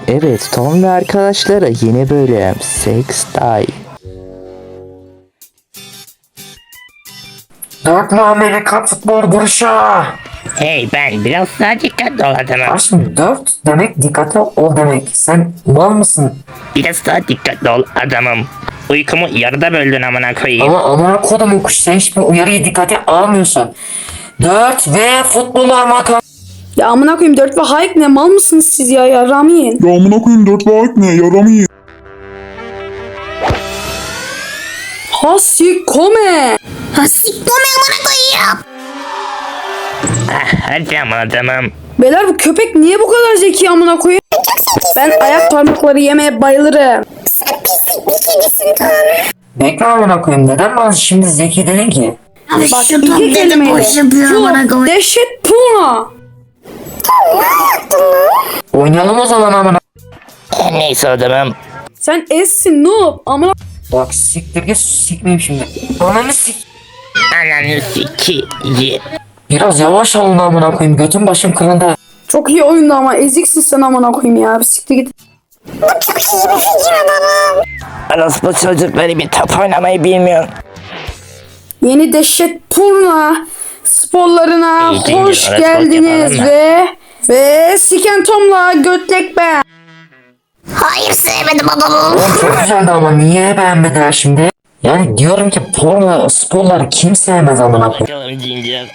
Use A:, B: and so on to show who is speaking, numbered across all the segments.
A: Evet, Tom ve arkadaşları yeni bölüm Sextay.
B: Dörtlü Amerika futbol duruşu.
C: Hey ben biraz daha dikkatli ol adamım.
B: Aşkım 4 demek dikkatli ol demek. Sen mal mısın?
C: Biraz daha dikkatli ol adamım. Uykumu yarıda böldün amına koyayım.
B: Ama amına kodumun kuş, sen hiçbir uyarıyı dikkate almıyorsun. 4 ve futbol armata.
D: Ya amına koyayım 4 ve Hayek ne mal mısınız siz ya Ramiyin?
E: Ya amına koyayım 4 ve ne? Yaramayın.
D: Hasikome.
C: Hadi aman adamım.
D: Beyler bu köpek niye bu kadar zeki amına koyayım? Ben ayak parmakları yemeye bayılırım.
B: Bekle amına koyayım, neden bana şimdi zeki dedin ki?
D: Bak iki kelimeyle. Çok dehşet puna.
B: Oynayalım o zaman amına.
C: Neyse adamım.
D: Sen essin noob amına.
B: Bak siktir git, sikmeyeyim şimdi. Ananı sik.
C: Ananı sikiyim.
B: Biraz yavaş olun amına koyayım, götüm başım kırıldı.
D: Çok iyi oyundu ama eziksin sen amına koyayım ya. Bir siktir git.
C: Orospu çocukları bir top oynamayı bilmiyor.
D: Yeni dehşet purna sporlarına
C: İyi değil,
D: hoş
C: öyle
D: geldiniz
C: spor yapalım
D: ve Siken Tom'la Götlek ben.
F: Hayır sevmedim adamı.
B: Oğlum çok güzeldi ama niye beğenmediler şimdi? Yani diyorum ki porno sporları kim sevmez amına koyayım.
C: Bakalım cincir.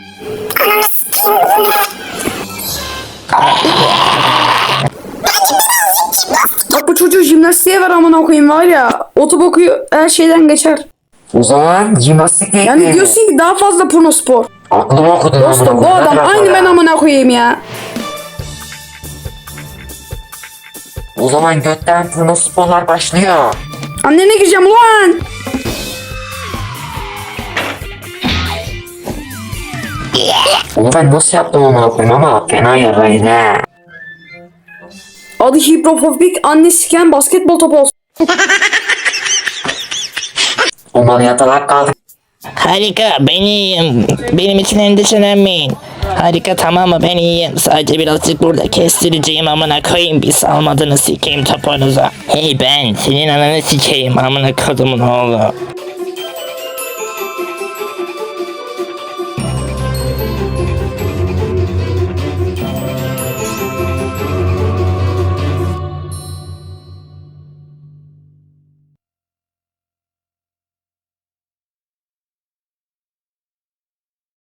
D: Bak bu çocuğu jimnastiğe ver amına koyayım var ya. Otoboku her şeyden geçer.
B: O zaman jimnastik
D: Yani
B: ekleyelim.
D: diyorsun ki daha fazla porno spor.
B: Aklımı okudun amına
D: Dostum bu
B: koyayım.
D: adam
B: Hadi
D: aynı
B: bakalım.
D: ben amına koyayım ya.
B: O zaman götten porno sporlar başlıyor.
D: Annene gireceğim ulan.
B: Onu ben nasıl yaptım amına koyayım ama fena yaraydı he.
D: Adı hiprofobik anne siken basketbol topu olsun.
B: Onlar yatalak kaldı.
C: Harika ben iyiyim. Benim için endişelenmeyin. Harika tamam mı ben iyiyim. Sadece birazcık burada kestireceğim amına koyayım. Bir salmadığını sikeyim topunuza. Hey ben senin ananı sikeyim amına kodumun oğlu.